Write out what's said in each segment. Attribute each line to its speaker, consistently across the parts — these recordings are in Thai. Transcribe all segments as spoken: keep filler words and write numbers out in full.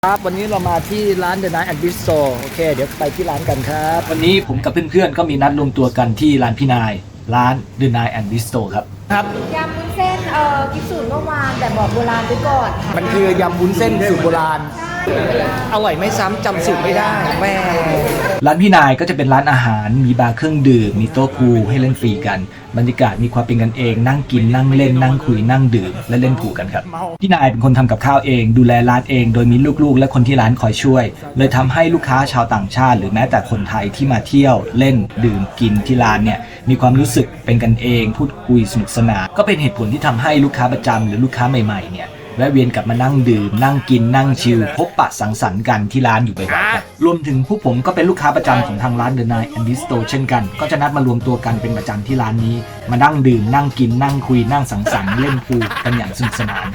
Speaker 1: ครับวันนี้เรามาที่ร้าน The Night and Bistro โอเคเดี๋ยวไปที่ร้านกันครับวันนี้ผมกับเพื่อนๆก็มีนัดรวมตัวกันที่ร้านพี่นายร้าน The Night and Bistro ครับครับ
Speaker 2: ยำวุ้นเส้นเอ่อกิฟสูตรเมื่อวานแต่บอกโบราณไปก่อนค่ะ
Speaker 1: มันคือยำวุ้นเส้นสูตรโบราณอร่อยไม่ซ้ำจำสูตรไม่ได้แม่ร้านพี่นายก็จะเป็นร้านอาหารมีบาร์เครื่องดื่มมีโต๊ะพูลให้เล่นฟรีกันบรรยากาศมีความเป็นกันเองนั่งกินนั่งเล่นนั่งคุยนั่งดื่มและเล่นพูลกันครับพี่นายเป็นคนทำกับข้าวเองดูแลร้านเองโดยมีลูกๆและคนที่ร้านคอยช่วยเลยทำให้ลูกค้าชาวต่างชาติหรือแม้แต่คนไทยที่มาเที่ยวเล่นดื่มกินที่ร้านเนี่ยมีความรู้สึกเป็นกันเองพูดคุยสนุกสนานก็เป็นเหตุผลที่ทำให้ลูกค้าประจำหรือลูกค้าใหม่ๆเนี่ยแวะเวียนกลับมานั่งดื่มนั่งกินนั่งชิลพบปะสังสรรค์กันที่ร้านอยู่บ่อยๆครับรวมถึงผู้ผมก็เป็นลูกค้าประจำของทางร้าน The Night and Bistro เช่นกันก็จะนัดมารวมตัวกันเป็นประจำที่ร้านนี้มานั่งดื่มนั่งกินนั่งคุยนั่งสังสรรค์เล่นพูลกันอย่างสนุกสนาน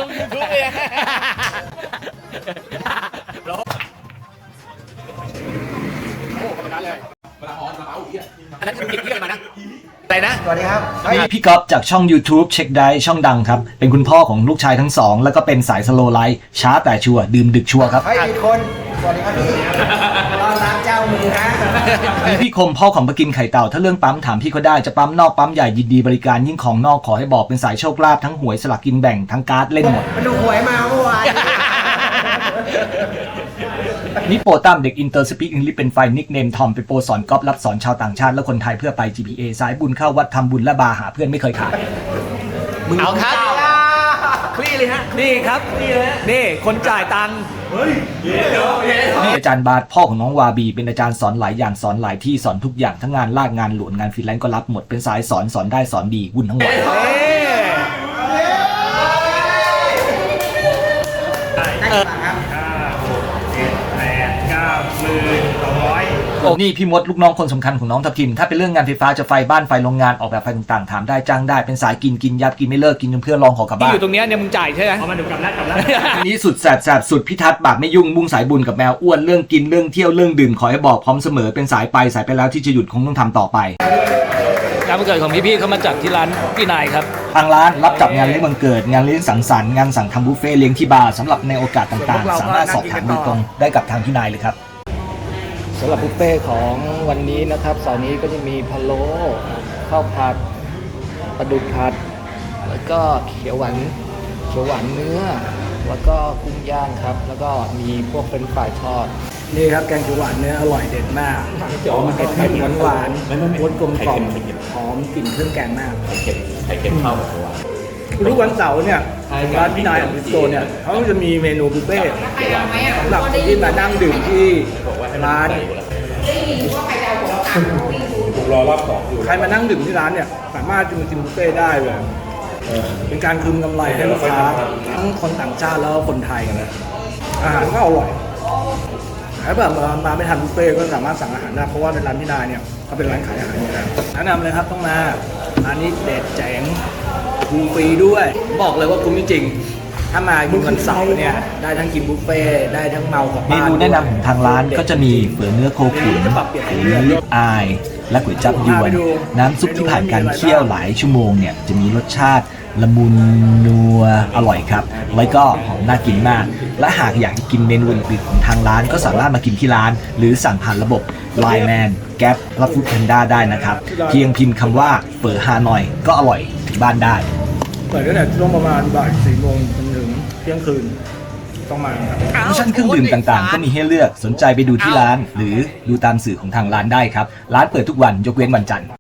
Speaker 3: อันนั้นคือเก็บเรื่องมานะอะไรนะสวัสดีครับ
Speaker 1: มีพี่ก๊อฟจากช่อง YouTube เช็คได้ช่องดังครับเป็นคุณพ่อของลูกชายทั้งสองแล้วก็เป็นสายสโลไลฟ์ช้าแต่ชัวร์ดื่มดึกชัวร์ครับ
Speaker 3: เฮ้ยมีคนสวัสดีครับพี่ต้อนรับเจ้ามือฮะ
Speaker 1: มีพี่คมพ่อของปะกินไข่เต่าถ้าเรื่องปั๊มถามพี่เขาได้จะปั๊มนอกปั๊มใหญ่ยินดีบริการยิ่งของนอกขอให้บอกเป็นสายโชคลาภทั้งหวยสลักกินแบ่งทั้งการ์ดเล่นหมด
Speaker 3: มันดูหวยมาเมื่อวาน
Speaker 1: นี่โปรตั้มเด็กอินเตอร์สปีกอังกฤษเป็นไฟนิกเนมทอมเป็นโปรสอนก๊อปรับสอนชาวต่างชาติและคนไทยเพื่อไป จี พี เอ สายบุญเข้าวัดทำบุญและบาหาเพื่อนไม่เคยขาด
Speaker 3: มึงเอาครับคลี่เลยฮะนี่ครับนี่เลยนี่คนจ่ายตังค์เฮ้ย
Speaker 1: นี่อาจารย์บาสพ่อของน้องวาบีเป็นอาจารย์สอนหลายอย่างสอนหลายที่สอนทุกอย่างทั้งงานลากงานหลวงงานฟรีแลนซ์ก็รับหมดเป็นสายสอนสอนได้สอนดีวุ่นทั้งวันโอ้นี่พี่มดลูกน้องคนสำคัญของน้องทับทิมถ้าเป็นเรื่องงานไฟฟ้าจะไฟบ้านไฟโรงงานออกแบบไฟต่างๆถามได้จ้างได้เป็นสายกินกินยับกินไม่เลิกกินจนเพื่อนลองขอกลับบ้าน
Speaker 3: ที่อยู่ตรงนี้เนี่ยมึงจ่ายใช่ไหม
Speaker 1: เอามาดูกลับแล้วกลับแล้วอันนี้สุดแสบแสบสุดพิทัศน์บาปไม่ยุ่งมุ่งสายบุญกับแมวอ้วนเรื่องกินเรื่องเที่ยวเรื่องดื่มขอให้บอกพร้อมเสมอเป็นสายไปสายไปแล้วที่จะหยุดคงต้องทำต่อไป
Speaker 4: งานวันเกิดของพี่ๆเขามาจัดที่ร้านพี่นายครับ
Speaker 1: ทางร้านรับจัดงานเลี้ยงวันเกิดงานเลี้ยงสังสรรค์งานสั่งทำบุฟเฟ่เลี้ยงที่บาร์สำหรับในโอกาสต่างๆสามารถสอบถามโดยตรงได้กับทางพี่นายเลยครับสำหรับบุฟเฟ่ของวันนี้นะครับเสาร์นี้ก็จะมีพะโล้ข้าวผัดปลาดุกผัดแล้วก็เขียวหวานเขียวหวานเนื้อแล้วก็กุ้งย่างครับแล้วก็มีพวกเป็นฝ่ายทอดนี่ครับแกงเขียวหวานเนื้ออร่อยเด็ดมากหอมเผ็ดเผ็ดหวานหวานรสกลมกล่อมหอมกลิ่นเครื่องแกงมากไข่เค็มไข่เค็มเข้าทุกวันเสาร์เนี่ยร้านพี่นายของบิสโตเนี่ยเขาจะมีเมนูบุฟเฟ่สำหรับคนที่มานั่งดื่มที่ร้านรอรอบสองอยู่ใครมานั่งดื่มที่ร้านเนี่ยสามารถจะมากินบุฟเฟ่ได้เลยเป็นการคืนกำไรให้ลูกค้าทั้งคนต่างชาติแล้วก็คนไทยกันนะอาหารก็อร่อยถ้าแบบมามาไม่ทันบุฟเฟ่ก็สามารถสั่งอาหารได้เพราะว่าในร้านพี่นายเนี่ยเขาเป็นร้านขายอาหารอยู่แล้วแนะนำเลยครับต้องมาร้านนี้เด็ดแจ๋งฟูฟรีด้วยบอกเลยว่าคุ้มจริงถ้ามากินวันเสาร์เนี่ยได้ทั้งกินบุฟเฟ่ได้ทั้งเมากลับบ้านเมนูแนะนำของทางร้านก็จะมีเฝอเนื้อโคขุนเนื้อลิบอายและก๋วยจั๊บยวนน้ำซุปที่ผ่านการเคี่ยวหลายชั่วโมงเนี่ยจะมีรสชาติละมุนนัวอร่อยครับแล้วก็หอมน่ากินมากและหากอยากจะกินเมนูอื่นๆของทางร้านก็สามารถมากินที่ร้านหรือสั่งผ่านระบบ ไลน์ แมน แก๊ปและฟู้ดแพนด้าได้นะครับเพียงพิมพ์คำว่าเฝอฮานอยก็อร่อยถึงบ้านได้เปิดตั้งแต่ช่วงประมาณบ่ายสี่โมงจนถึงเที่ยงคืนต้องมาครับออปชั่นเครื่องดื่มต่างๆก็มีให้เลือกสนใจไปดูที่ร้านหรือดูตามสื่อของทางร้านได้ครับร้านเปิดทุกวันยกเว้นวันจันทร์